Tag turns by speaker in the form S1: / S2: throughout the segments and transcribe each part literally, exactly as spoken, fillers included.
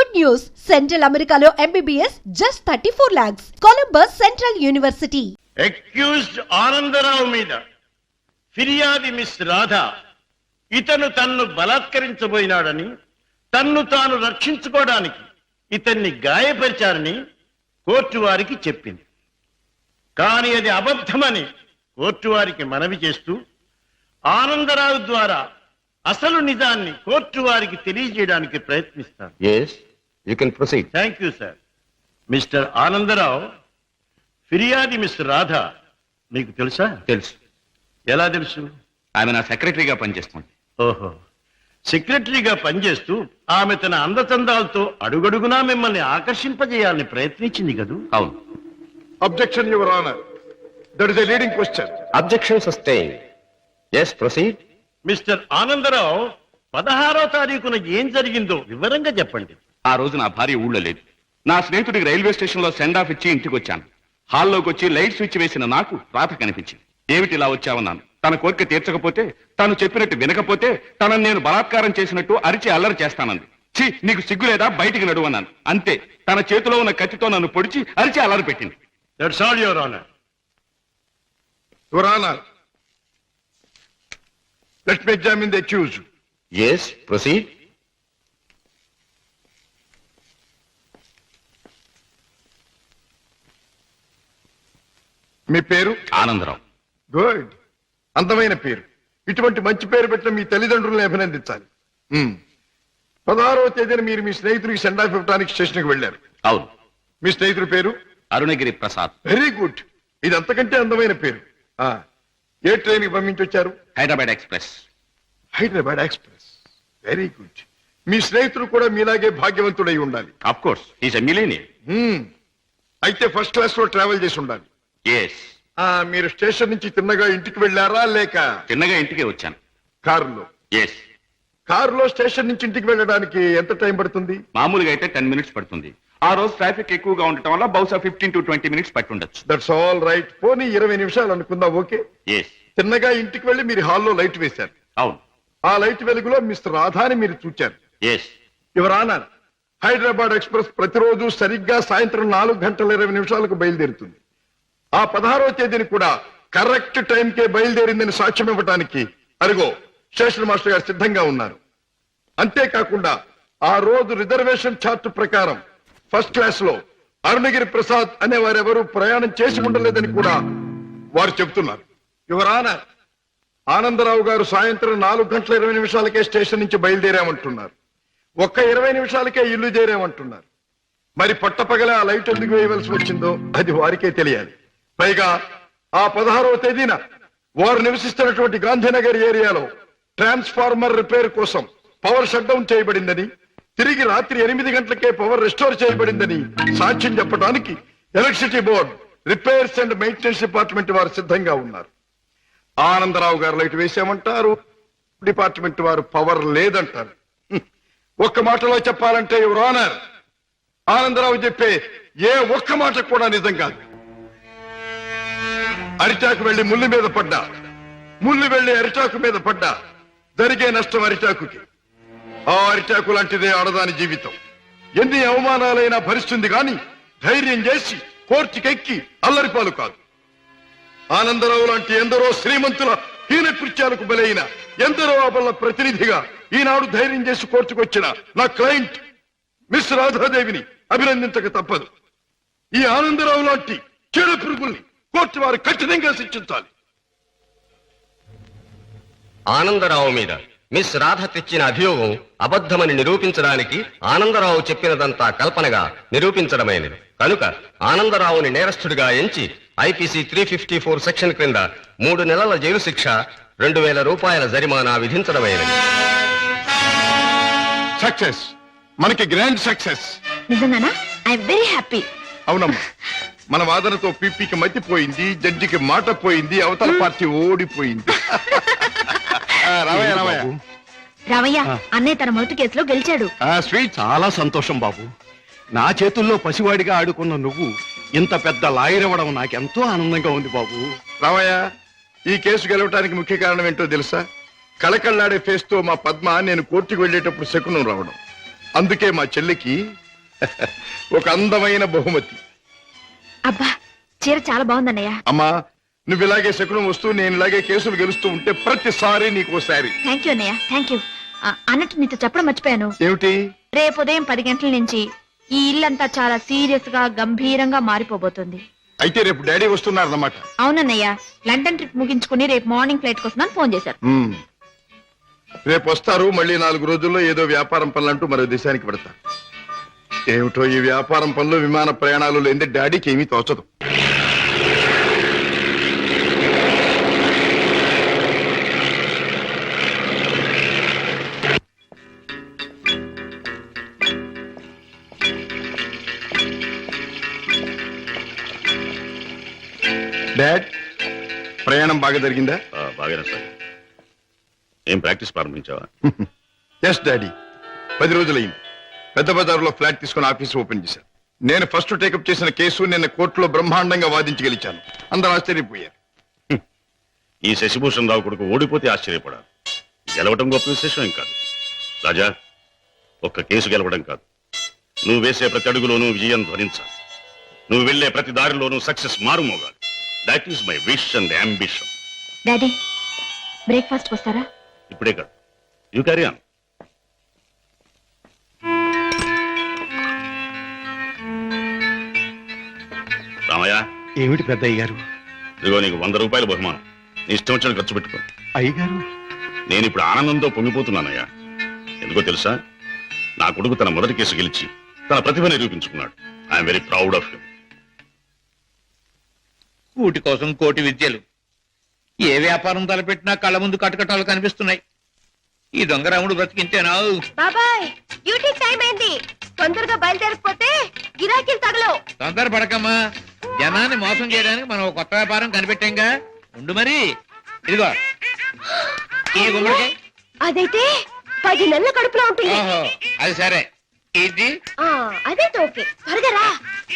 S1: Good news! Central Americalo M B B S just thirty-four lakhs. Columbus Central University.
S2: Accused Anandarao మీద ఫిర్యాది miss Radha ఇతను తన్ను బలాత్కరించబోయినాడని తన్ను తాను రక్షించుకోవడానికి ఇతన్ని గాయపరిచారని కోర్టు వారికి చెప్పింది. కానీ అది అబద్ధమని కోర్టు వారికి మనవి చేస్తూ ఆనందరావు ద్వారా అసలు నిజాన్ని కోర్టు వారికి తెలియజేయడానికి ప్రయత్నిస్తాను.
S3: Yes, you can proceed.
S2: Thank you sir. Mister Anandarao, ఫిర్యాది మిస్ రాధా మీకు తెలుసా?
S3: తెలుసు.
S2: ఎలా తెలుసు?
S3: ఆమె నా సెక్రటరీగా పనిచేస్తుంది.
S2: ఓహో, సెక్రటరీగా పనిచేస్తూ ఆమె తన అందచందాలతో అడుగడుగునా మిమ్మల్ని ఆకర్షింపజేయాలని ప్రయత్నించింది కదూ?
S3: అవును.
S4: Objection, Your Honor. That is a leading question.
S3: Objection sustained. Yes, proceed.
S2: Mister Anandarao, పదహారో తారీఖున ఏం జరిగిందో వివరంగా చెప్పండి.
S3: ఆ రోజు నా భార్య ఊళ్ళో లేదు. నా స్నేహితుడికి రైల్వే స్టేషన్ లో సెండ్ ఆఫ్ ఇచ్చి ఇంటికి వచ్చాను. హాల్లోకి వచ్చి లైట్ స్విచ్ వేసిన నాకు రాత కనిపించింది. ఏమిటి ఇలా వచ్చావన్నాను. తన కోరిక తీర్చకపోతే, తాను చెప్పినట్టు వినకపోతే తనను నేను బలాత్కారం చేసినట్టు అరిచి అల్లరి చేస్తానంది. ఛీ, నీకు సిగ్గు లేదా, బయటికి నడువన్నాను. అంతే, తన చేతిలో ఉన్న కత్తితో నన్ను పొడిచి అరిచి అల్లరి పెట్టింది.
S2: That's all, your honour.
S4: Your Honor, let me examine the accused.
S3: Yes, proceed.
S4: మీ పేరు?
S3: ఆనందరావు.
S4: గుడ్, అందమైన పేరు. ఇటువంటి మంచి పేరు పెట్టిన మీ తల్లిదండ్రులను అభినందించాలి. Hmm. పదహారవ తేదీన మీరు మీ స్నేహితుడికి సెండ్ ఆఫ్ ఇవ్వడానికి స్టేషన్కి వెళ్ళారు.
S3: అవును.
S4: మీ స్నేహితుడి పేరు?
S3: అరుణగిరి ప్రసాద్.
S4: వెరీ గుడ్, ఇది అంతకంటే అందమైన పేరు. ఆ, ఏ ట్రైన్ కి పంపించొచ్చారు?
S3: Hyderabad express.
S4: Hyderabad express, very good. మీ స్నేహితుడు కూడా మీలాగే భాగ్యవంతుడై ఉండాలి.
S3: Of course, he's a millionaire.
S4: Hmm. అయితే ఫస్ట్ క్లాస్ లో ట్రావెల్ చేసి ఉండాలి.
S3: ఎస్.
S4: ఆ, మీరు స్టేషన్ నుంచి తిన్నగా ఇంటికి వెళ్ళారా లేక
S3: చిన్నగా ఇంటికే వచ్చాను.
S4: కారులో?
S3: ఎస్.
S4: కారులో స్టేషన్ నుంచి ఇంటికి వెళ్ళడానికి ఎంత టైం పడుతుంది?
S3: మామూలుగా అయితే టెన్ మినిట్స్ పడుతుంది. ఆ రోజు ట్రాఫిక్ ఎక్కువగా ఉండటం వల్ల బహుశా ఫిఫ్టీన్ టు ట్వంటీ మినిట్స్ పట్టుండొచ్చు.
S4: That's all right. పోనీ ఇరవై నిమిషాలు అనుకుందాం. ఓకే.
S3: ఎస్.
S4: తిన్నగా ఇంటికి వెళ్ళి మీరు హాల్లో లైట్ వేశారు.
S3: అవును.
S4: ఆ లైట్ వెలుగులో మిస్టర్ రాధాని మీరు చూచారు.
S3: Yes.
S4: Your honour, Hyderabad express ప్రతిరోజు సరిగ్గా సాయంత్రం నాలుగు గంటల ఇరవై నిమిషాలకు బయలుదేరుతుంది. ఆ పదహారవ తేదీని కూడా కరెక్ట్ టైంకే బయలుదేరిందని సాక్ష్యం ఇవ్వడానికి అరుగో స్టేషన్ మాస్టర్ గారు సిద్ధంగా ఉన్నారు. అంతేకాకుండా ఆ రోజు రిజర్వేషన్ చార్ట్ ప్రకారం ఫస్ట్ క్లాస్ లో అరుణగిరి ప్రసాద్ అనే వారెవరూ ప్రయాణం చేసి ఉండలేదని కూడా వారు చెబుతున్నారు. యువర్ ఆనర్, ఆనందరావు గారు సాయంత్రం నాలుగు గంటల ఇరవై నిమిషాలకే స్టేషన్ నుంచి బయలుదేరామంటున్నారు. ఒక్క ఇరవై నిమిషాలకే ఇల్లు చేరామంటున్నారు. మరి పట్టపగల ఆ లైట్ ఎందుకు వేయవలసి వచ్చిందో అది వారికే తెలియాలి. పైగా ఆ పదహారవ తేదీన వారు నివసిస్తున్నటువంటి గాంధీనగర్ ఏరియాలో ట్రాన్స్ఫార్మర్ రిపేర్ కోసం పవర్ షట్ డౌన్ చేయబడిందని, తిరిగి రాత్రి ఎనిమిది గంటలకే పవర్ రెస్టోర్ చేయబడిందని సాక్ష్యం చెప్పడానికి electricity board, repairs and maintenance department వారు సిద్ధంగా ఉన్నారు. ఆనందరావు గారు లైట్ వేసామంటారు, డిపార్ట్మెంట్ వారు పవర్ లేదంటారు. ఒక్క మాటలో చెప్పాలంటే యువర్ ఆనర్, ఆనందరావు చెప్పే ఏ ఒక్క మాట కూడా నిజం కాదు. అరిటాకు వెళ్లి ముళ్ళు మీద పడ్డా, ముళ్ళు వెళ్లి అరిటాకు మీద పడ్డా జరిగే నష్టం అరిటాకుకి. ఆ అరిటాకు లాంటిదే ఆడదాని జీవితం. ఎన్ని అవమానాలైనా భరిస్తుంది గాని ధైర్యం చేసి కోర్టుకెక్కి అల్లరిపాలు కాదు. ఆనందరావు లాంటి ఎందరో శ్రీమంతుల హీన కృత్యాలకు బలైన ఎందరో అబల ప్రతినిధిగా ఈనాడు ధైర్యం చేసి కోర్టుకొచ్చిన నా క్లయింట్ మిస్ రాధాదేవిని అభినందించక తప్పదు. ఈ ఆనందరావు లాంటి చెడ పురుగుల్ని కోర్టు వారు కఠినంగా శిక్షించాలి.
S5: ఆనందరావు మీద మిస్ రాధ తెచ్చిన అభియోగం అబద్ధమని నిరూపించడానికి ఆనందరావు చెప్పినదంతా కల్పనగా నిరూపించడమైనది. కనుక ఆనందరావుని నేరస్తుడిగా ఎంచి IPC three fifty four section క్రింద మూడు నెలల జైలు శిక్ష, రెండు వేల రూపాయల జరిమానా విధించడమైనది.
S4: సక్సెస్, మనకి గ్రాండ్ సక్సెస్.
S6: నిజంగానా? I'm very happy.
S4: అవునమ్మా, మన వాదనతో పీపీకి మతిపోయింది, జడ్జికి మాట పోయింది, అవతల పార్టీ ఓడిపోయింది. రావయ్య రావయ్య
S6: రావయ్య, అన్నయ్య తన మొదటి కేసులో గెలిచాడు.
S2: స్వీట్, చాలా సంతోషం బాబు. నా చేతుల్లో పసివాడిగా ఆడుకున్న నువ్వు ఇంత పెద్ద లాయర్ అవ్వడం నాకెంతో ఆనందంగా ఉంది బాబు.
S4: రావయ్య, ఈ కేసు గెలవటానికి ముఖ్య కారణం ఏంటో తెలుసా? కళకళ్లాడే ఫేస్ తో మా పద్మ నేను కోర్టుకు వెళ్లేటప్పుడు శకునం రావడం. అందుకే మా చెల్లికి ఒక అందమైన బహుమతి.
S6: అబ్బా చీర చాలా బాగుందన్నయ్య.
S4: అమ్మా నువ్వు ఇలాగే శకునం వస్తూ నేను ఇలాగే కేసులు గెలుస్తూ ఉంటే ప్రతిసారి నీకు శారీ.
S6: థ్యాంక్ యూ అన్నయ్య, థ్యాంక్ యూ. ఆ, అన్నట్టు నీతో చెప్పడం మర్చిపోయాను.
S4: ఏమిటి?
S6: రేపు ఉదయం పది గంటల నుంచి ఈ ఇల్లంతా చాలా సీరియస్ గా గంభీరంగా మారిపోబోతుంది.
S4: అయితే రేపు డాడీ వస్తున్నారన్నమాట.
S6: అవునన్నయ్య, లండన్ ట్రిప్ ముగించుకుని రేపు మార్నింగ్ ఫ్లైట్ కోసం ఫోన్ చేశారు.
S4: మ్మ్. రేపు వస్తారు. మళ్ళీ నాలుగు రోజుల్లో ఏదో వ్యాపారం పనులంటూ మరో దేశానికి పెడతారు. ఏమిటో ఈ వ్యాపారం పనులు విమాన ప్రయాణాలు లేని డాడీకి ఏమీ తోచదు. డాడ్ ప్రయాణం బాగా జరిగిందా?
S3: బాగానే సార్. ఏం ప్రాక్టీస్ ప్రారంభించావా?
S4: ఎస్ డాడీ, పది రోజులైంది. పెద్ద బజారులో ఫ్లాట్ తీసుకుని ఆఫీస్ ఓపెన్ చేశాను. నేను ఫస్ట్ టేకప్ చేసిన కేసు నిన్న కోర్టులో బ్రహ్మాండంగా వాదించి గెలిచాను. అందరూ ఆశ్చర్యపోయారు.
S3: ఈ శశిభూషణ్ రావు కొడుకు ఓడిపోతే ఆశ్చర్యపడాలి. గెలవడం గొప్ప విశేషం ఏం కాదు రాజా. ఒక్క కేసు గెలవడం కాదు, నువ్వు వేసే ప్రతి అడుగులోనూ విజయం ధ్వనించాలి. నువ్వు వెళ్లే ప్రతి దారిలోనూ సక్సెస్ మారుమోగాలి. That is my wish and ambition.
S6: Daddy breakfast వస్తారా?
S3: ఇప్పుడే కాదు, యూ క్యారీ ఆన్. రామయ్య,
S2: ఏమిటి పెద్దయ్య గారు?
S3: ఇదిగో నీకు వంద రూపాయల బహుమానం. నీ ఇష్టం వచ్చిన ఖర్చు పెట్టుకో.
S2: అయ్యగారు,
S3: నేను ఇప్పుడు ఆనందంతో పొంగిపోతున్నానయ్యా. ఎందుకో తెలుసా? నా కొడుకు తన మొదటి కేసు గెలిచి తన ప్రతిభ నిరూపించుకున్నాడు. I'm very proud of him.
S7: కూటి కోసం కోటి విద్యలు. ఏ వ్యాపారం తలపెట్టినా కళ్ళ ముందు కటకటాలు కనిపిస్తున్నాయి. ఈ దొంగరాముడు బ్రతికింతేనా?
S6: బాబాయ్ డ్యూటీ టైం అయింది, తొందరగా బయలుదేరకపోతే గిరాకీలు తగలవు.
S7: తొందర పడకమ్మా, జనాన్ని మోసం చేయడానికి మనం ఒక కొత్త వ్యాపారం కనిపెట్టాంగా. ఉండు మరి. ఇదిగో ఈ గుమ్మడికాయ.
S6: అదైతే పది నెలల కడుపులో ఉంటుంది.
S7: ఓహో అది సరే. ఇది
S6: అదైతే ఓకే. త్వరగా రా.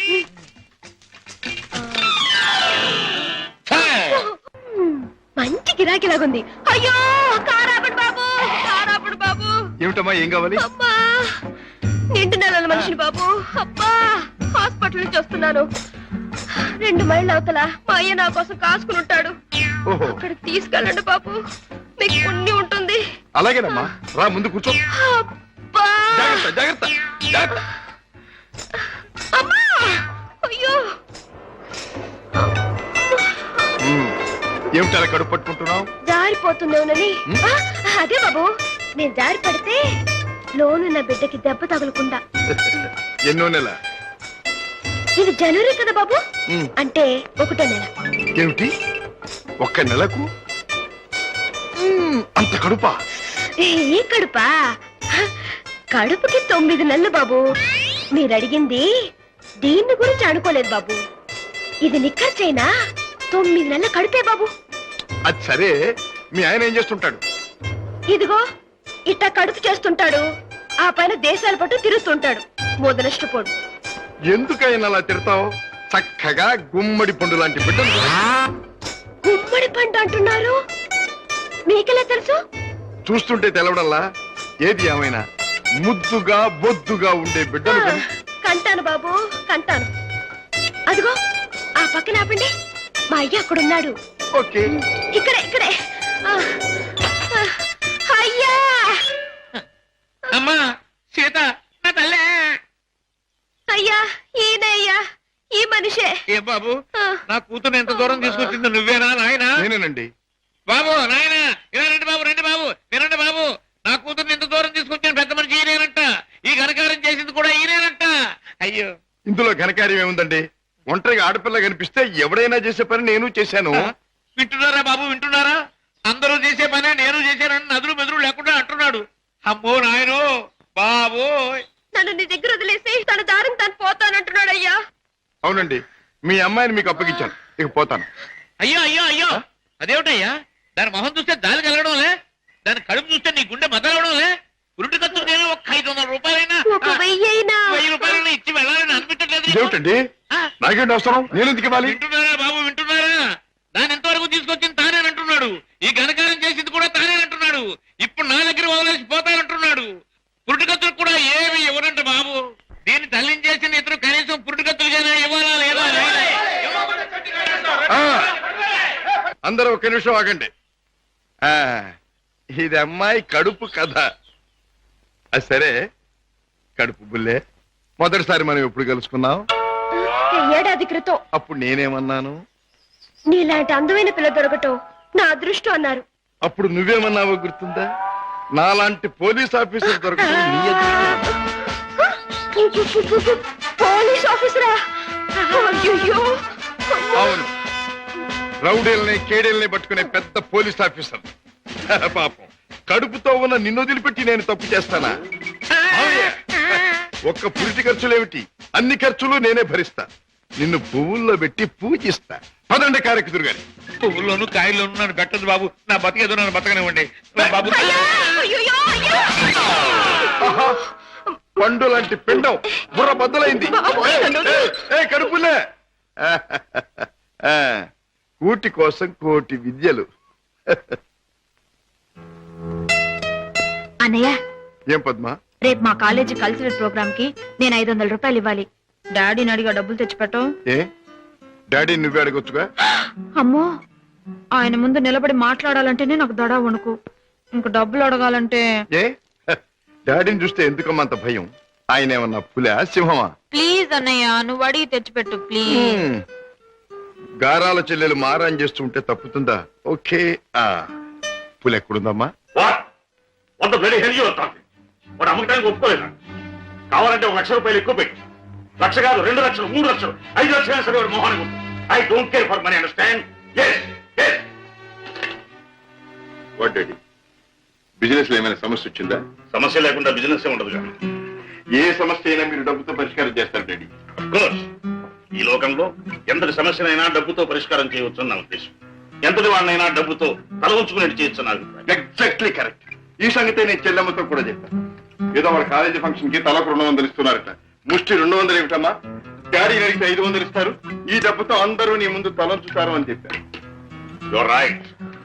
S6: మంచి గిరాకీలాగుంది. అయ్యో కారాపడు బాబు, కారాపడు బాబు.
S4: ఏమిటమ్మా, ఏం కావాలి?
S6: అబ్బా నిండు నెలల మనిషిని బాబు. అబ్బా హాస్పిటల్ నుంచి వస్తున్నాను. రెండు మైళ్ళ అవతల మా అయ్య నా కోసం కాసుకుని ఉంటాడు.
S4: ఓహో,
S6: అక్కడ తీసుకెళ్ళండి బాబు, మీకు పుణ్యం ఉంటుంది.
S4: అలాగేనమ్మా, రా ముందు కూర్చో.
S6: అబ్బా
S4: జాగ్రత్త జాగ్రత్త జాగ్రత్త.
S6: అమ్మా అయ్యో.
S4: మ్మ్. ఏమిటి అలా కడుపు పట్టుకుంటున్నావు?
S6: జారిపోతుందేమోనని. ఆ, అదే బాబు, నేను జారి పడితే లోనున్న బిడ్డకి దెబ్బ తగలకుండా.
S4: ఎన్నో నెల?
S6: ఇది జనవరి కదా బాబు,
S4: మ్మ్.
S6: అంటే ఒకటో నెల.
S4: ఏమిటి ఒక్క నెలకు అంత కడుపా?
S6: ఏ కడుపా? కడుపుకి తొమ్మిది నెలలు బాబు. మీరు అడిగింది దీన్ని గురించి అనుకోలేదు బాబు. ఇది నిక్కర్చైనా తొమ్మిది నెలల కడుపే బాబు.
S4: అది సరే, మీ ఆయన ఏం చేస్తుంటాడు?
S6: ఇదిగో ఇట్టా కడుపు చేస్తుంటాడు, ఆ పైన దేశాల పట్టు తిరుగుతుంటాడు. మొదలష్టపోడు.
S4: ఎందుకైనా అలా తిడతావు? చక్కగా గుమ్మడి పండు లాంటి బిడ్డలు.
S6: గుమ్మడి పంట అంటున్నారు, మీకెలా తెలుసు?
S4: చూస్తుంటే తెలవడంలా. ఏది ఏమైనా ముద్దుగా బొద్దుగా ఉండే బిడ్డలు కని.
S6: కంటాను బాబు కంటాను. అదిగో ఆ పక్కన ఆపండి, మా అయ్య అక్కడున్నాడు.
S4: ఓకే,
S6: ఇక్కడే ఇక్కడే. ఆ, ఆ, అయ్యా.
S7: అమ్మా సీత, నా తల్లే.
S6: అయ్యా ఈయనే అయ్యా, ఈ మనిషే.
S7: ఏ బాబు,
S6: ఆ.
S7: నా కూతురు ఎంత దూరం తీసుకొచ్చింది నువ్వేనా నాయనా?
S4: నేనేనండి.
S7: బాబు నాయనా, ఇలా రండి బాబు, రండి బాబు, వినండి బాబు. నా కూతుర్ని ఎంత దూరం తీసుకొచ్చిన పెద్ద మనిషి ఈయనేనంట. ఈ ఘనకారం చేసింది కూడా ఈయనేనంట. అయ్యో,
S4: ఇందులో ఘనకార్యం ఏముందండి? ఒంటరిగా ఆడపిల్ల కనిపిస్తే ఎవడైనా చేసే పని నేను చేశాను.
S7: వింటున్నారా బాబు, వింటున్నారా? అందరూ చేసే పనే నేను చేశానని నదులు మెదురు లేకుండా అంటున్నాడు. అమ్మో నాయనో బాబు.
S6: నన్ను నీ దగ్గర వదిలేసి తన దారిని తను పోతానంటున్నాడు అయ్యా.
S4: అవునండి, మీ అమ్మాయిని మీకు అప్పగించాను, ఇక పోతాను.
S7: అయ్యో అయ్యో అయ్యో, అదేమిటయ్యా? దాని మొహం చూస్తే దారి కలగడంలే, దాని కడుపు చూస్తే నీ గుండె మదలవడంలే. ఉరుటి ఖర్చు నేను ఒక ఐదు వందల రూపాయలైనా
S6: ఒక వెయ్యి అయినా
S7: వెయ్యి రూపాయలైనా ఇచ్చి వెళ్ళాలని అనిపించట్లేదు.
S4: ఇదేమిటండి, నాకేంటి అవసరం? నేను ఎందుకు ఇవ్వాలి?
S7: వింటున్నారా బాబు, వింటున్నారా? దాని ఎంతవరకు తీసుకొచ్చింది తానేనంటున్నాడు. ఈ ఘనకారం చేసింది కూడా తానేనంటున్నాడు. ఇప్పుడు నా దగ్గర వదిలేసి పోతానంటున్నాడు. పురుటికత్తులు కూడా ఏమి ఇవ్వనంట బాబు. దీన్ని తల్లించేసిన ఇతరు కనీసం పురుటికత్తులుగానే ఇవ్వాలా లేదా?
S4: ఆ, అందరూ ఒక నిమిషం ఆగండి. ఆ, ఇది అమ్మాయి కడుపు కథ. అది సరే, కడుపు బుల్లే, మొదటిసారి మనం ఎప్పుడు కలుసుకున్నాం?
S6: ఏడాది క్రితం.
S4: అప్పుడు నేనేమన్నాను?
S6: నీలాంటి అందమైన పిల్ల దొరకటం నా అదృష్టం అన్నారు.
S4: అప్పుడు నువ్వేమన్నావో గుర్తుందా? నాలాంటి పోలీస్ ఆఫీసర్ దొరకడం నీ అదృష్టం.
S6: పోలీస్ ఆఫీసరా? అయ్యయ్యో.
S4: అవును, రౌడీల్ని కేడీల్ని పట్టుకునే పెద్ద పోలీస్ ఆఫీసర్. పాపం, కడుపుతో ఉన్న నిన్ను వదిలిపెట్టి నేను తప్పు చేస్తానా? మావయ్య, ఒక్క పురిటి ఖర్చులేమిటి, అన్ని ఖర్చులు నేనే భరిస్తా. నిన్ను పువ్వుల్లో పెట్టి పూజిస్తా. పదండి కారెక్కుదురు గాని.
S7: పువ్వుల్లోనూ కాయల్లోనూ నన్ను పెట్టదు బాబు. నా బతికేదో నన్ను బతకనివ్వండి బాబు.
S6: అయ్యయ్యో, అయ్యో.
S4: ఆహా, పండు లాంటి పిండం బుర్ర బద్దలైంది. ఏ కడుపులే, కూటి కోసం కోటి విద్యలు.
S8: అన్నయ్య,
S4: ఏం పద్మా?
S8: రేపు మా కాలేజీ కల్చరల్ ప్రోగ్రామ్ కి నేను ఐదు వందల రూపాయలు ఇవ్వాలి. డాడీని అడిగా డబ్బులు తెచ్చిపెట్టం.
S4: ఏ డాడీ నువ్వే అడగొచ్చుగా?
S8: అమ్మో, ఆయన ముందు నిలబడి మాట్లాడాలంటేనే నాకు దడ వణుకు. ఇంక డబ్బులు అడగాలంటే
S4: ఏ డాడీని చూస్తే ఎందుకమ్మంత భయం? ఆయన ఏమన్నా పులా సింహమా?
S8: ప్లీజ్ అన్నయ్య, నువ్వు అడిగి తెచ్చిపెట్టు ప్లీజ్.
S4: హ్మ్. గారాల చెల్లెలు మారాన్ చేస్తూ ఉంటే తప్పుతుందా? ఓకే. ఆ పులి ఎక్కడుందమ్మా?
S3: వంద బ్లడీ హెల్జీ వస్తాను వాడు అమ్మకానికి ఒప్పుకోలేదా? కావాలంటే ఒక లక్ష రూపాయలు ఎక్కువ పెట్టి, లక్ష కాదు రెండు లక్షలు మూడు లక్షలు ఐదు లక్షలు సరే వాడు మోహానికి ఉంటుంది. I don't care for money, understand?
S4: What daddy, business లో ఏమైనా సమస్య వచ్చిందా?
S3: సమస్య లేకుండా బిజినెస్ ఉండదు కానీ.
S4: ఏ సమస్య అయినా మీరు డబ్బుతో పరిష్కారం చేస్తారు డాడీ.
S3: కోర్స్, ఈ లోకంలో ఎంతటి సమస్యనైనా డబ్బుతో పరిష్కారం చేయవచ్చు నా ఉద్దేశం. ఎంతటి వాడినైనా డబ్బుతో తల ఉంచుకునేట్టు చేయొచ్చు నా అభిప్రాయం.
S4: Exactly correct. ఈ సంగతే నేను చెల్లెమ్మతో కూడా చెప్పాను. ఏదో వాళ్ళ కాలేజీ ఫంక్షన్ కి తలకు రెండు వందలు ఇస్తున్నారట. ముష్టి రెండు వందలు ఏమిటమ్మా? డాడీని అడిగితే ఐదు వందలు ఇస్తారు. ఈ డబ్బుతో అందరూ నీ ముందు తలంచుతారు అని చెప్పారు.
S3: You're right.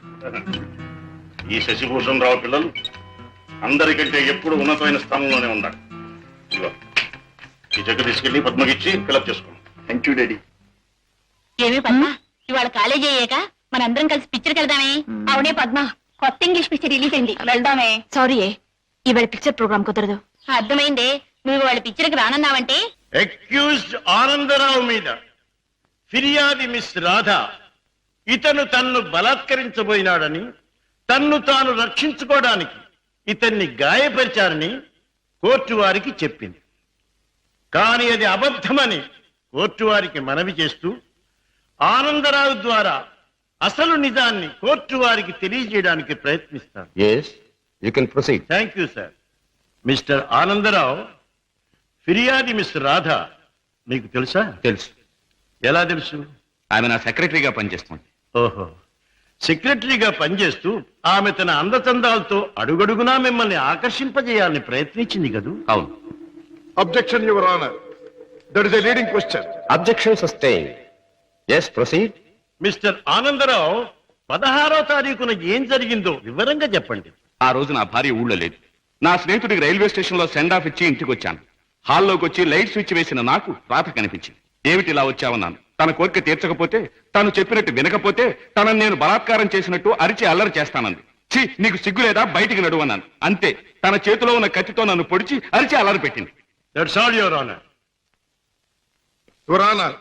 S3: ఈ శశిభూషణ్ రావు పిల్లలు అందరికంటే ఎప్పుడు ఉన్నతమైన స్థానంలోనే ఉన్నారు. ఇదిగో, ఈ చెక్ తీసుకెళ్లి పద్మకిచ్చి ఫిలప్ చేసుకోండి.
S4: Thank you daddy.
S8: ఏమి పద్మ, ఇవాళ కాలేజీ అయ్యాక మనందరం కలిసి పిక్చర్కి వెళ్దామే? అవునే పద్మ, కొత్త ఇంగ్లీష్ పిక్చర్ రిలీజ్ అయింది, వెళ్దామే. సారీ, ఇవాళ పిక్చర్ ప్రోగ్రామ్ కుదరదు. అర్థమైందే, నువ్వు వాళ్ళ పిక్చర్కి రానన్నావంటే.
S9: అక్యూజ్డ్ ఆనందరావు మీద ఫిర్యాది మిస్ రాధ ఇతను తన్ను బలాత్కరించబోయినాడని, తన్ను తాను రక్షించుకోవడానికి ఇతన్ని గాయపరిచారని కోర్టు వారికి చెప్పింది. కానీ అది అబద్ధమని కోర్టు వారికి మనవి చేస్తూ ఆనందరావు ద్వారా అసలు నిజాన్ని కోర్టు వారికి తెలియజేయడానికి ప్రయత్నిస్తాను.
S5: Yes, you can proceed.
S9: Thank you sir. Mister Anandarao, ఫిర్యాది మిస్ రాధ మీకు తెలుసా?
S3: తెలుసు.
S9: ఎలా తెలుసు?
S3: ఆమె నా సెక్రటరీగా పనిచేస్తుంది.
S9: ఓహో, సెక్రటరీగా పనిచేస్తూ ఆమె తన అందచందాలతో అడుగడుగునా మిమ్మల్ని ఆకర్షింపజేయాలని ప్రయత్నించింది కదూ?
S3: అవును.
S4: Objection your honour, that is a leading question.
S5: Objection sustained. Yes, proceed.
S9: Mister Anandarao, పదహారో తారీఖున ఏం జరిగిందో వివరంగా చెప్పండి.
S3: ఆ రోజు నా భార్య ఊళ్ళో లేదు. నా స్నేహితుడికి రైల్వే స్టేషన్ లో సెండ్ ఆఫ్ ఇచ్చి ఇంటికి వచ్చాను. హాల్లోకి వచ్చి లైట్ స్విచ్ వేసిన నాకు రాత కనిపించింది. ఏమిటి ఇలా వచ్చావన్నాను. తన కోరిక తీర్చకపోతే, తాను చెప్పినట్టు వినకపోతే తనను నేను బలాత్కారం చేసినట్టు అరిచి అల్లరి చేస్తానంది. ఛీ, నీకు సిగ్గు లేదా? బయటికి నడువన్నాను. అంతే, తన చేతిలో ఉన్న కత్తితో నన్ను పొడిచి అరిచి అల్లరి పెట్టింది.
S9: That's all your honour.
S4: Your honour,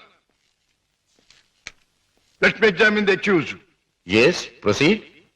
S4: let me examine the accused.
S5: Yes, proceed.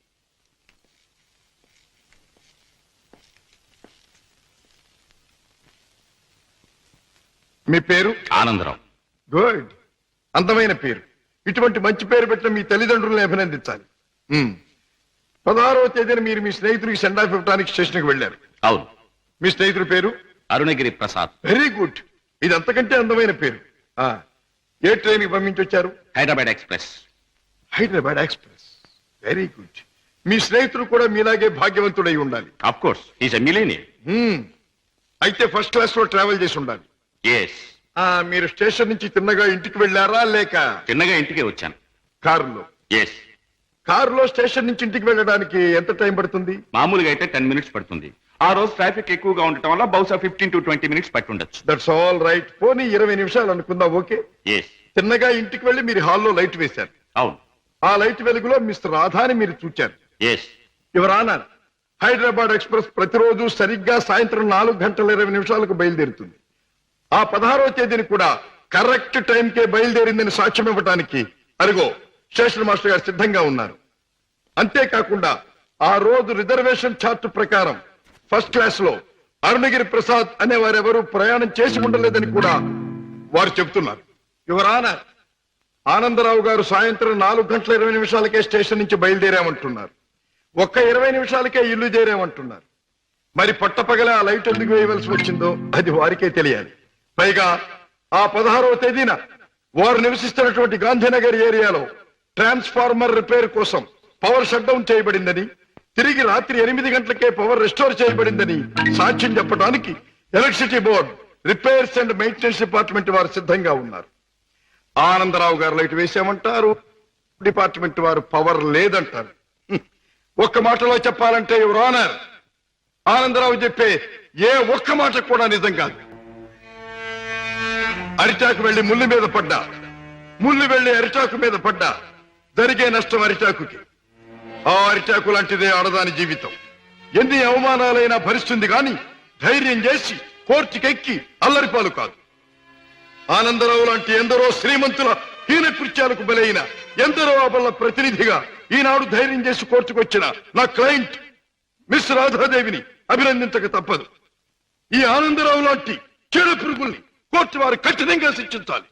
S4: మీ పేరు?
S3: ఆనందరావు.
S4: గుడ్, అందమైన పేరు. ఇటువంటి మంచి పేరు పెట్టిన మీ తల్లిదండ్రులను అభినందించాలి. మ్మ్. పదహారవ తేదీన మీరు మీ స్నేహితుడికి సెండ్ ఆఫ్ ఇవ్వడానికి స్టేషన్కి వెళ్ళారు.
S3: అవును.
S4: మీ స్నేహితుడి పేరు?
S3: అరుణగిరి ప్రసాద్.
S4: వెరీ గుడ్, ఇది అంతకంటే అందమైన పేరు. ఆ, ఏ ట్రైన్ కి పంపించి వచ్చారు?
S3: Hyderabad express.
S4: Hyderabad express, very good. మీ స్నేహితుడు కూడా మీలాగే భాగ్యవంతుడై ఉండాలి.
S3: Of course, is a millionaire.
S4: Hmm. అయితే ఫస్ట్ క్లాస్ లో ట్రావెల్ చేసి ఉండాలి.
S3: ఎస్.
S4: ఆ, మీరు స్టేషన్ నుంచి తిన్నగా ఇంటికి వెళ్ళారా లేక
S3: చిన్నగా ఇంటికే వచ్చాను.
S4: కారులో?
S3: ఎస్.
S4: కారులో స్టేషన్ నుంచి ఇంటికి వెళ్ళడానికి ఎంత టైం పడుతుంది?
S3: మామూలుగా అయితే టెన్ మినిట్స్ పడుతుంది. ఆ రోజు ట్రాఫిక్ ఎక్కువగా ఉండటం వల్ల బహుశా ఫిఫ్టీన్ టు ట్వంటీ మినిట్స్ పట్టి ఉండొచ్చు.
S4: That's all right. పోనీ ఇరవై నిమిషాలు అనుకుందాం. ఓకే.
S3: ఎస్.
S4: తిన్నగా ఇంటికి వెళ్ళి మీరు హాల్లో లైట్ వేశారు.
S3: అవును.
S4: ఆ లైట్ వెలుగులో మిస్టర్ రాధాని మీరు చూచారు.
S3: ఎస్.
S4: ఎవరానా హైదరాబాద్ ఎక్స్ప్రెస్ ప్రతిరోజు సరిగ్గా సాయంత్రం నాలుగు గంటల ఇరవై నిమిషాలకు బయలుదేరుతుంది. ఆ పదహారవ తేదీని కూడా కరెక్ట్ టైంకే బయలుదేరిందని సాక్ష్యం ఇవ్వటానికి అరుగో స్టేషన్ మాస్టర్ గారు సిద్ధంగా ఉన్నారు. అంతేకాకుండా ఆ రోజు రిజర్వేషన్ చార్ట్ ప్రకారం ఫస్ట్ క్లాస్ లో అరుణగిరి ప్రసాద్ అనే వారెవరూ ప్రయాణం చేసి ఉండలేదని కూడా వారు చెబుతున్నారు. యువరానా ఆనందరావు గారు సాయంత్రం నాలుగు గంటల ఇరవై నిమిషాలకే స్టేషన్ నుంచి బయలుదేరామంటున్నారు. ఒక్క ఇరవై నిమిషాలకే ఇల్లు చేరామంటున్నారు. మరి పట్టపగల ఆ లైట్ ఎందుకు వేయవలసి వచ్చిందో అది వారికే తెలియాలి. పైగా ఆ పదహారవ తేదీన వారు నివసిస్తున్నటువంటి గాంధీనగర్ ఏరియాలో ట్రాన్స్ఫార్మర్ రిపేర్ కోసం పవర్ షట్ డౌన్ చేయబడిందని, తిరిగి రాత్రి ఎనిమిది గంటలకే పవర్ రెస్టోర్ చేయబడిందని సాక్ష్యం చెప్పడానికి electricity board, repairs and maintenance department వారు సిద్ధంగా ఉన్నారు. ఆనందరావు గారు లైట్ వేసామంటారు, డిపార్ట్మెంట్ వారు పవర్ లేదంటారు. ఒక్క మాటలో చెప్పాలంటే యువర్ ఆనర్, ఆనందరావు చెప్పే ఏ ఒక్క మాట కూడా నిజం కాదు. అరిటాకు వెళ్లి ముళ్ళు మీద పడ్డా, ముళ్ళు వెళ్లి అరిటాకు మీద పడ్డా జరిగే నష్టం అరిటాకుకి. ఆ అరిటాకు లాంటిదే ఆడదాని జీవితం. ఎన్ని అవమానాలైనా భరిస్తుంది గాని ధైర్యం చేసి కోర్టుకెక్కి అల్లరిపాలు కాదు. ఆనందరావు లాంటి ఎందరో శ్రీమంతుల హీన కృత్యాలకు బలైన ఎందరో అబల ప్రతినిధిగా ఈనాడు ధైర్యం చేసి కోర్టుకొచ్చిన నా క్లయింట్ మిస్ రాధాదేవిని అభినందించక తప్పదు. ఈ ఆనందరావు లాంటి చెడు పురుగుల్ని కోర్టు వారు కఠినంగా శిక్షించాలి.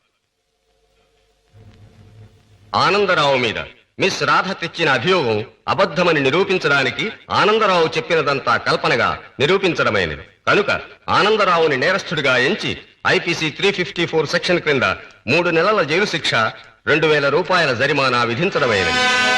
S5: ఆనందరావు మీద మిస్ రాధ తెచ్చిన అభియోగం అబద్ధమని నిరూపించడానికి ఆనందరావు చెప్పినదంతా కల్పనగా నిరూపించడమైనది కనుక ఆనందరావుని నేరస్తుడిగా ఎంచి IPC three fifty four section క్రింద మూడు నెలల జైలు శిక్ష, రెండు వేల రూపాయల జరిమానా విధించడమైనది.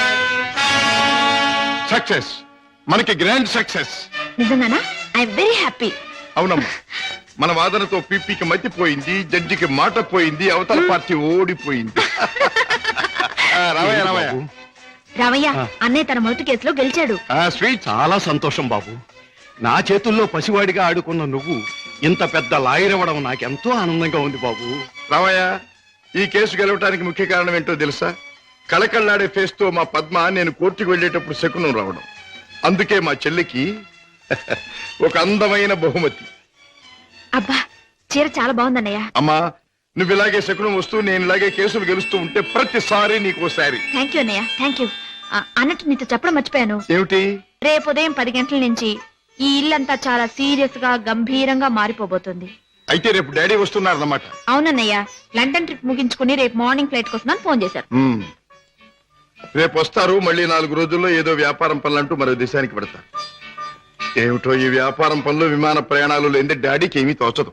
S4: సక్సెస్, మనకి గ్రాండ్ సక్సెస్.
S6: నిజంగానా? I very happy.
S4: అవునమ్మా, మన వాదనతో పీపీకి మతిపోయింది, జడ్జికి మాట పోయింది, అవతల పార్టీ ఓడిపోయింది. రావయ్య రావయ్య
S6: రావయ్య, అన్నయ్య తన మొదటి కేసులో గెలిచాడు.
S2: స్వీట్. చాలా సంతోషం బాబు. నా చేతుల్లో పసివాడిగా ఆడుకున్న నువ్వు ఇంత పెద్ద లాయర్ అవ్వడం నాకెంతో ఆనందంగా ఉంది బాబు.
S4: రావయ్య, ఈ కేసు గెలవటానికి ముఖ్య కారణం ఏంటో తెలుసా? కళకళ్ళాడే ఫేస్ తో మా పద్మ నేను కోర్టుకు వెళ్ళేటప్పుడు శకునం రావడం. అందుకే మా చెల్లికి ఒక అందమైన బహుమతి.
S6: అబ్బా, చీర చాలా బాగుందన్నయ్య.
S4: అమ్మా, నువ్వు ఇలాగే శకునం వస్తూ నేను ఇలాగే కేసులు గెలుస్తూ ఉంటే ప్రతిసారి నీకు ఓసారి.
S6: థ్యాంక్ యూ అన్నయ్య, థ్యాంక్ యూ. అన్నట్టు నీతో చెప్పడం మర్చిపోయాను.
S4: ఏమిటి?
S6: రేపు ఉదయం పది గంటల నుంచి ఈ ఇల్లంతా చాలా సీరియస్ గా గంభీరంగా మారిపోబోతుంది.
S4: అయితే రేపు డాడీ వస్తున్నారన్నమాట.
S6: అవునన్నయ్య, లండన్ ట్రిప్ ముగించుకుని రేపు మార్నింగ్ ఫ్లైట్ కోసం ఫోన్ చేశారు.
S4: రేపు వస్తారు. మళ్ళీ నాలుగు రోజుల్లో ఏదో వ్యాపారం పనులంటూ మరో దేశానికి పెడతారు. ఏమిటో ఈ వ్యాపారం పనులు, విమాన ప్రయాణాలు లేని డాడీకి ఏమీ తోచదు.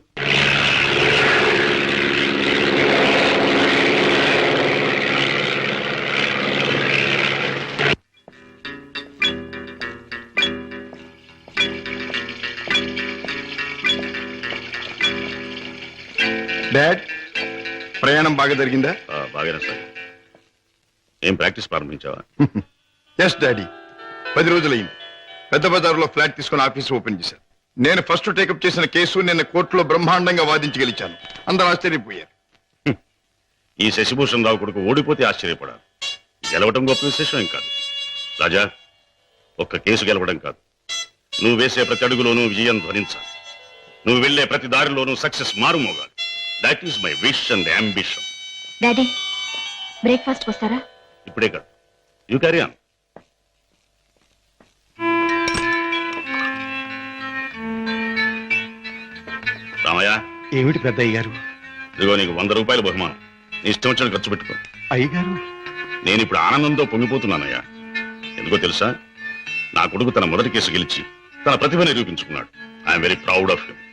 S4: డాడ్, ప్రయాణం బాగా జరిగిందా?
S3: బాగానే సార్. ఏం ప్రాక్టీస్ ప్రారంభించావా?
S4: ఎస్ డాడీ, పది రోజులైంది. పెద్ద బజార్లో ఫ్లాట్ తీసుకుని ఆఫీస్ ఓపెన్ చేశాను. నేను ఫస్ట్ టేకప్ చేసిన కేసు నిన్న కోర్టులో బ్రహ్మాండంగా వాదించి గెలిచాను. అందరూ ఆశ్చర్యపోయారు.
S3: ఈ శశిభూషణ్ రావు కొడుకు ఓడిపోతే ఆశ్చర్యపడాలి, గెలవడం గొప్ప విశేషం ఏం కాదు. రాజా, ఒక్క కేసు గెలవడం కాదు, నువ్వు వేసే ప్రతి అడుగులోనూ విజయం ధ్వనించాలి. నువ్వు వెళ్లే ప్రతి దారిలోనూ సక్సెస్ మారుమోగాలి. That is my wish and ambition.
S6: Daddy, breakfast వస్తారా?
S3: ఇప్పుడే కాదు, యూ క్యారీ ఆన్. రామయ్య.
S2: ఏమిటి పెద్ద అయ్యారు?
S3: ఇదిగో నీకు వంద రూపాయల బహుమానం. నీ ఇష్టం వచ్చిన ఖర్చు పెట్టుకో.
S2: అయ్యగారు,
S3: నేను ఇప్పుడు ఆనందంతో పొంగిపోతున్నానయ్యా. ఎందుకో తెలుసా? నా కొడుకు తన మొదటి కేసు గెలిచి తన ప్రతిభ నిరూపించుకున్నాడు. I'm very proud of him.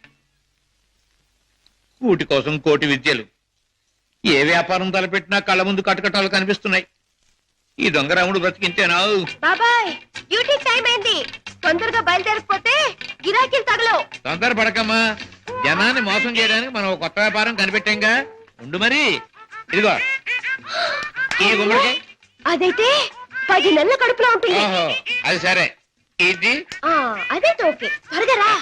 S7: కూటి కోసం కోటి విద్యలు. ఏ వ్యాపారం తలపెట్టినా కళ్ళ ముందు కటకటాలు కనిపిస్తున్నాయి. ఈ దొంగరాముడు బ్రతికింతేనా?
S6: బాబాయ్, డ్యూటీ టైం అయింది. తొందరగా బయలుదేరకపోతే గిరాకీలు తగలవు.
S7: తొందర పడకమ్మా. జనాన్ని మోసం చేయడానికి మనం ఒక కొత్త వ్యాపారం కనిపెట్టాంగా. ఉండు మరి. ఇదిగో ఈ గుమ్మడికాయ.
S6: అదైతే పది నెలల కడుపులో ఉంటుంది.
S7: ఓహో, అది సరే. ఇది
S6: ఆ, అదైతే ఓకే త్వరగా రా.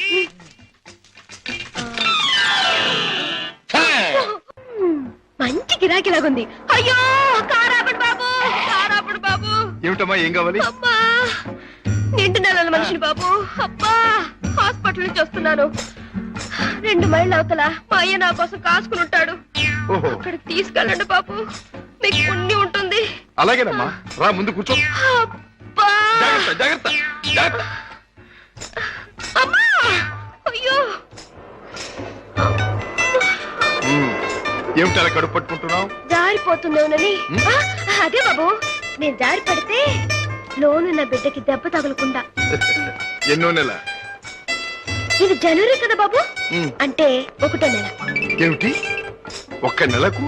S6: మంచి గిరాకీలాగుంది. అయ్యో కారాపడు బాబు, కారాపడు బాబు.
S4: ఏమిటమ్మా ఏం కావాలి?
S6: అబ్బా నిండు నెలల మనిషిని బాబు. అబ్బా హాస్పిటల్ నుంచి వస్తున్నాను. రెండు మైళ్ళ అవతల మా అయ్య నా కోసం కాసుకుని ఉంటాడు.
S4: ఓహో,
S6: అక్కడికి తీసుకెళ్ళండి బాబు, మీకు పుణ్యం ఉంటుంది.
S4: అలాగేనమ్మా, రా ముందు కూర్చో.
S6: అబ్బా
S4: జాగ్రత్త జాగ్రత్త జాగ్రత్త.
S6: అమ్మా అయ్యో.
S4: ఉమ్, ఏమిటి అలా కడుపు పట్టుకుంటున్నావు?
S6: జారిపోతుందేమోనని. ఆ, అదే బాబు, నేను జారి పడితే లోనున్న బిడ్డకి దెబ్బ తగలకుండా.
S4: ఎన్నో నెల?
S6: ఇది జనవరి కదా బాబు,
S4: ఉమ్,
S6: అంటే ఒకటో నెల.
S4: ఏమిటి ఒక్క నెలకు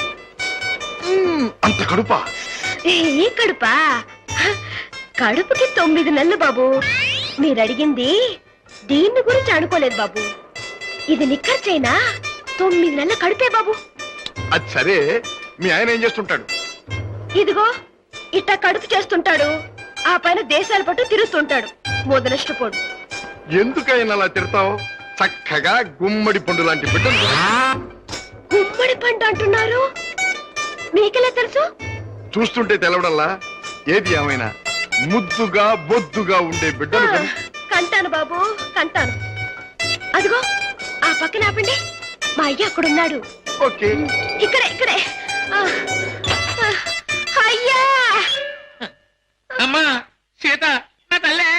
S4: ఉమ్, అంత కడుపా?
S6: ఏ కడుపా? కడుపుకి తొమ్మిది నెలలు బాబు. మీరు అడిగింది దీన్ని గురించి అనుకోలేదు బాబు. ఇది నిక్కర్చైనా తొమ్మిది నెలల కడుపే బాబు.
S4: అది సరే, మీ ఆయన ఏం చేస్తుంటాడు?
S6: ఇదిగో ఇట్ట కడుపు చేస్తుంటాడు, ఆ పైన దేశాల పట్టు తిరుగుతుంటాడు. మొదలష్టపోడు.
S4: ఎందుకైనా అలా తిడతావు? చక్కగా గుమ్మడి పండు లాంటి బిడ్డలు.
S6: గుమ్మడి పంట అంటున్నారు, మీకెలా తెలుసు?
S4: చూస్తుంటే తెలవడల్లా. ఏది ఏమైనా ముద్దుగా బొద్దుగా ఉండే బిడ్డలు
S6: ఆ,
S4: కని-
S6: కంటాను బాబు కంటాను. అదిగో ఆ పక్కన ఆపండి, మా అయ్య అక్కడున్నాడు.
S4: ఓకే.
S6: ఇక్కడే ఇక్కడే. ఆ, ఆ, అయ్యా.
S7: అమ్మా సీత, నా తల్లే.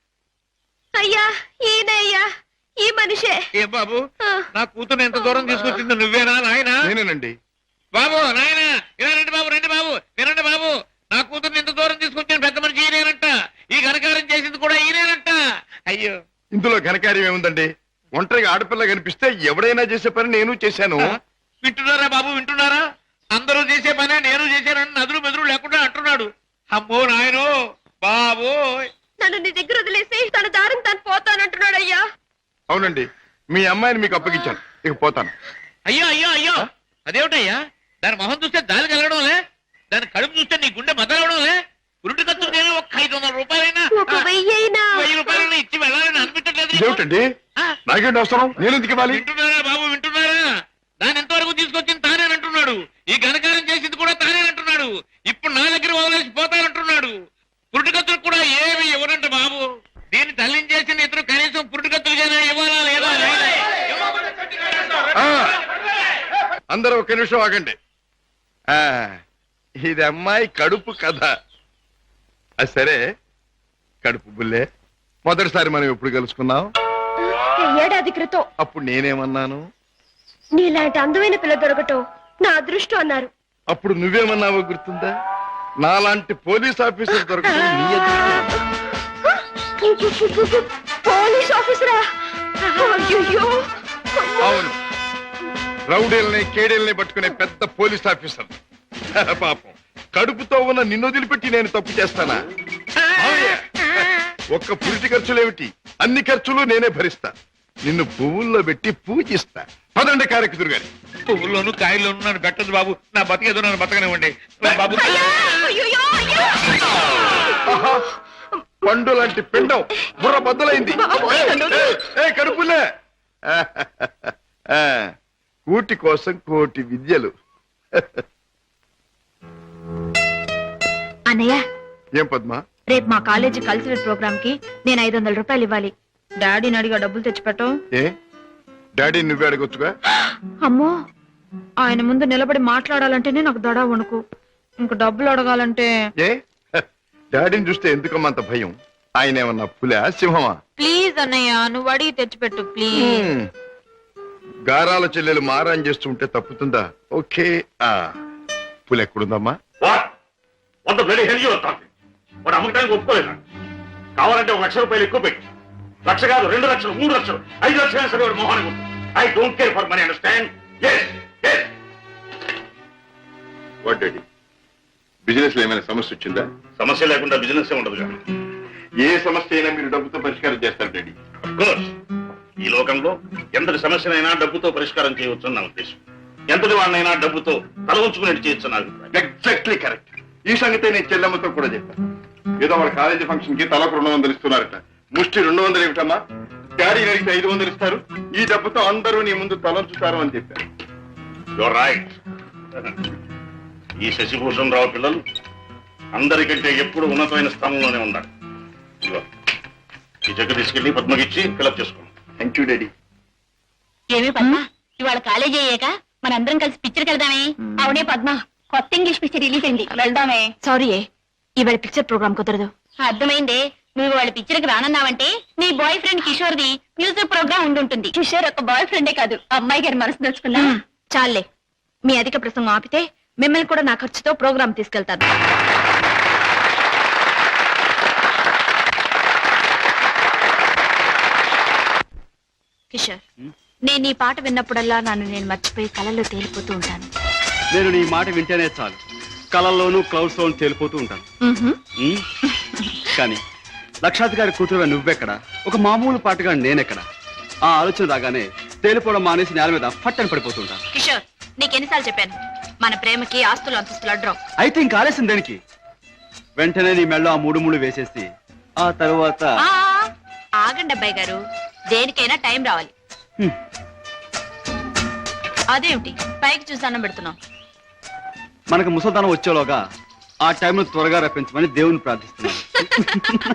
S6: అయ్యా ఈయన అయ్యా, ఈ మనిషే.
S7: ఏ బాబు,
S6: ఆ.
S7: నా కూతురు ఎంత దూరం తీసుకొచ్చింది నువ్వేనా నాయనా?
S4: నేనేనండి.
S7: బాబు నాయన ఇలా రండి బాబు, రండి బాబు, వినండి బాబు. నా కూతురు ఎంత దూరం తీసుకొచ్చిన పెద్ద మనిషి ఈయనేనంట. ఈ ఘనకారం చేసింది కూడా ఈయనేనంట. అయ్యో,
S4: ఇందులో ఘనకార్యం ఏముందండి? ఒంటరిగా ఆడపిల్ల కనిపిస్తే ఎవడైనా చేసే పని నేను చేశాను.
S7: వింటున్నారా బాబు, వింటున్నారా? అందరూ చేసే పనే నేను చేశానని నదులు మెదురు లేకుండా అంటున్నాడు. అమ్మో నాయనో బాబు.
S6: నన్ను నీ దగ్గర వదిలేసి తన దారిని తను పోతానంటున్నాడు అయ్యా.
S4: అవునండి, మీ అమ్మాయిని మీకు అప్పగించాను, ఇక పోతాను.
S7: అయ్యో అయ్యో అయ్యో, అదేమిటయ్యా? దాని మొహం చూస్తే దాని కలగడంలే, దాని కడుపు చూస్తే నీ గుండె మదలవడంలే. ఉరుటి ఖర్చు నేను ఒక ఐదు వందల రూపాయలైనా
S6: ఒక వెయ్యి అయినా
S7: వెయ్యి రూపాయలైనా ఇచ్చి వెళ్ళాలని అనిపించట్లేదు నీకు?
S4: ఇదేమిటండి?
S7: ఆ?
S4: నాకేంటి అవసరం? నేను ఎందుకు ఇవ్వాలి?
S7: వింటున్నారా బాబు, వింటున్నారా? దాని ఎంతవరకు తీసుకొచ్చింది తానేనంటున్నాడు. ఈ ఘనకారం చేసింది కూడా తానేనంటున్నాడు. ఇప్పుడు నా దగ్గర వదిలేసి పోతానంటున్నాడు. పురుటికత్తులు కూడా ఏమి ఇవ్వనంట బాబు. దీన్ని తల్లిని చేసిన ఇతరు కనీసం పురుటికత్తులుగానే ఇవ్వాలా లేదా?
S4: ఆ, అందరూ ఒక నిమిషం ఆగండి. ఆ, ఇది అమ్మాయి కడుపు కథ. అది సరే, కడుపు బుల్లే, మొదటిసారి మనం ఎప్పుడు కలుసుకున్నాం?
S6: ఏడాది క్రితం.
S4: అప్పుడు నేనేమన్నాను?
S6: నీలాంటి అందమైన పిల్ల దొరకటం నా అదృష్టం అన్నారు.
S4: అప్పుడు నువ్వేమన్నావో గుర్తుందా? నాలాంటి పోలీస్ ఆఫీసర్ దొరకడం నీ అదృష్టం.
S6: పోలీస్ ఆఫీసరా? అయ్యో.
S4: అవును, రౌడీల్ని కేడీల్ని పట్టుకునే పెద్ద పోలీస్ ఆఫీసర్. పాపం, కడుపుతో ఉన్న నిన్ను వదిలిపెట్టి నేను తప్పు చేస్తానా? అవునే. ఒక్క పురిటి ఖర్చులేమిటి, అన్ని ఖర్చులు నేనే భరిస్తా. నిన్ను పువ్వుల్లో పెట్టి పూజిస్తా. పదండి కారెక్కుదురు గారి.
S7: పువ్వుల్లోను కాయల్లోను నన్ను పెట్టదు బాబు. నా బతికేదో నన్ను బతకనివ్వండి బాబు.
S6: అయ్యయ్యో, అయ్యో.
S4: ఆహా, పండు లాంటి పిండం బుర్ర బద్దలైంది. ఏ కడుపులే. ఆ, కూటి కోసం కోటి విద్యలు.
S8: అన్నయ్య,
S4: ఏం పద్మా?
S8: రేపు మా కాలేజీ కల్చరల్ ప్రోగ్రామ్ కి నేను ఐదు వందల రూపాయలు ఇవ్వాలి. డాడీని అడిగా డబ్బులు తెచ్చిపెట్టు.
S4: ఏ డాడీ నువ్వే అడగొచ్చుగా?
S8: అమ్మో, ఆయన ముందు నిలబడి మాట్లాడాలంటేనే నాకు దడ వణుకు. ఇంక డబ్బులు అడగాలంటే
S4: ఏ డాడీని చూస్తే ఎందుకమ్మా అంత భయం? ఆయన ఏమన్నా పులా సింహమా?
S8: ప్లీజ్ అన్నయ్య, నువ్వు అడిగి తెచ్చిపెట్టు ప్లీజ్.
S4: హ్మ్. గారాల చెల్లెలు మారాన్ చేస్తుంటే తప్పుతుందా? ఓకే. ఆ పులి ఎక్కడుందమ్మా?
S9: వంద బ్లడీ హెల్ యూ టాకింగ్. వాడు అమ్మకానికి ఒప్పుకోలేదా? కావాలంటే ఒక లక్ష రూపాయలు ఎక్కువ పెట్టు. లక్ష కాదు, రెండు లక్షలు, మూడు లక్షలు, ఐదు లక్షలు సరే వాడు మొహానికి. I don't care for money, understand?
S4: What daddy, business లో ఏమైనా సమస్య వచ్చిందా?
S9: సమస్య లేకుండా బిజినెస్ ఉండదు కానీ.
S4: ఏ సమస్య అయినా మీరు డబ్బుతో పరిష్కారం చేస్తారు డాడీ.
S9: కోర్స్, ఈ లోకంలో ఎంతటి సమస్యనైనా డబ్బుతో పరిష్కారం చేయవచ్చు నా ఉద్దేశం. ఎంతటి వాడినైనా డబ్బుతో తల ఉంచుకునేట్టు చేయొచ్చు నా అభిప్రాయం.
S4: Exactly correct. ఈ సంగతి నేను చెల్లెమ్మతో కూడా చెప్పాను. ఏదో వాళ్ళ కాలేజీ ఫంక్షన్ కి తలకు రెండు వందలు ఇస్తున్నారట. ముష్టి రెండు వందలు ఏమిటమ్మా? డాడీ అడిగితే ఐదు వందలు ఇస్తారు. ఈ డబ్బుతో అందరూ నీ ముందు తలంచుతారు అని చెప్పారు.
S9: You're right. ఈ శశిభూషణ్ రావు పిల్లలు అందరికంటే ఎప్పుడు ఉన్నతమైన స్థానంలోనే ఉన్నారు. ఇదిగో, ఈ చెక్ తీసుకెళ్లి పద్మకిచ్చి ఫిలప్ చేసుకోండి.
S4: Thank you daddy.
S8: ఏమే పద్మ, ఇవాళ కాలేజీ అయ్యాక మనందరం కలిసి పిక్చర్కి వెళ్దామే. అవునే పద్మ, కొత్త ఇంగ్లీష్ పిక్చర్ రిలీజ్ అయింది, వెళ్దామే. సారీ ఇవాళ పిక్చర్ ప్రోగ్రామ్ కుదరదు. అర్థమైందే, నువ్వు వాళ్ళ పిక్చర్ కి రానన్నావంటే నీ boyfriend Kishore the music programme ఉండుంటుంది. కిషోర్ ఒక బాయ్ ఫ్రెండే కాదు, అమ్మాయి గారి మనసు దోచుకున్నా. చాలే, మీ అధిక ప్రసంగం ఆపితే మిమ్మల్ని కూడా నా ఖర్చుతో ప్రోగ్రామ్ తీసుకెళ్తాను. కిషోర్, నేను ఈ పాట విన్నప్పుడల్లా నన్ను నేను మర్చిపోయి కళల్లో తేలిపోతూ ఉంటాను.
S2: నేను నీ మాట వింటేనే చాలు, కళల్లోనూ క్లౌడ్స్ లోనూ తేలిపోతూ ఉంటాను.
S8: మ్హూ.
S2: ఉమ్. కానీ లక్షాధికారి కూతురుగా నువ్వెక్కడ, ఒక మామూలు పాటగా నేనెక్కడ? ఆ ఆలోచన రాగానే తేలిపోవడం మానేసి నేల మీద ఫట్టని పడిపోతుంటాను.
S8: కిషోర్, నీకెన్నిసార్లు చెప్పాను, మన ప్రేమకి ఆస్తులు అంతస్తులు అడ్డం.
S2: అయితే ఇంక ఆలస్యం దేనికి? వెంటనే నీ మెళ్ళో ఆ మూడు మూడు వేసేసి ఆ తరువాత
S8: ఆ, ఆగండి అబ్బాయి గారు, దేనికైనా టైం రావాలి.
S2: హ్మ్.
S8: అదేమిటి పైకి చూసి దండం పెడుతున్నాం?
S2: మనకు ముసల్దానం వచ్చేలోగా ఆ టైంను త్వరగా రప్పించమని దేవుని ప్రార్థిస్తున్నాను.